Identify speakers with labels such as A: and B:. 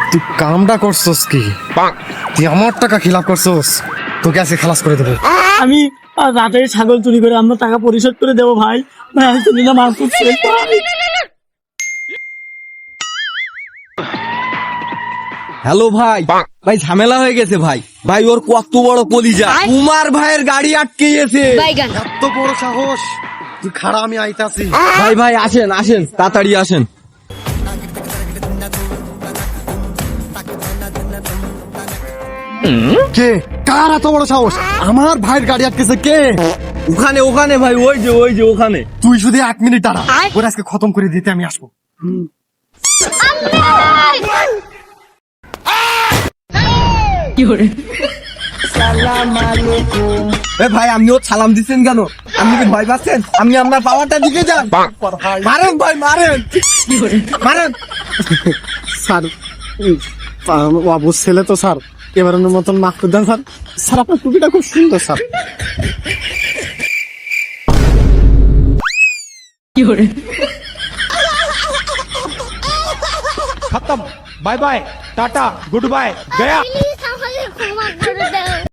A: তুই কামটা করছস কি? তুই আমার টাকা খিলাপ করছস, তোকে আজকে খালাস করে দেবো।
B: আমি রাতে ছাগল চুরি করে আমরা টাকা পরিশোধ করে দেবো ভাই। ভাই আমি তো নিলাম মার করছে ভাই।
C: হ্যালো ভাই, ভাই ঝামেলা হয়ে গেছে ভাই। ভাই ওর কত বড় কলিজা, কুমার ভাইয়ের গাড়ি আটকে গেছে।
A: এত বড় সাহস! তুই খাড়া, আমি আইতাছি।
C: ভাই ভাই আসেন আসেন, তাড়াতাড়ি আসেন।
A: কে? কার এত বড় সাহস? আমার ভাইয়ের গাড়ি আটকেছে কে?
C: ওখানে ওখানে ভাই, ওই যে ওখানে।
A: তুই শুধু 1 মিনিট দাঁড়া, ওরা আজকে খতম করে দিতে আমি আসবো।
C: এ ভাই আপনি ওর সালাম দিচ্ছেন কেন? আপনি কি ভয় পাচ্ছেন? আপনি আপনার পাওয়ারটা দিকে যান। মারেন ভাই মারেন মারেন।
A: স্যার, অবুজ ছেলে তো স্যার, এবারের মতন মাফ করে দেন স্যার। স্যার আপনার টুপিটা খুব সুন্দর স্যার।
D: खत्म। Bye bye, tata, good bye, गया।
E: প্লিজ আমাকে ক্ষমা করে দাও।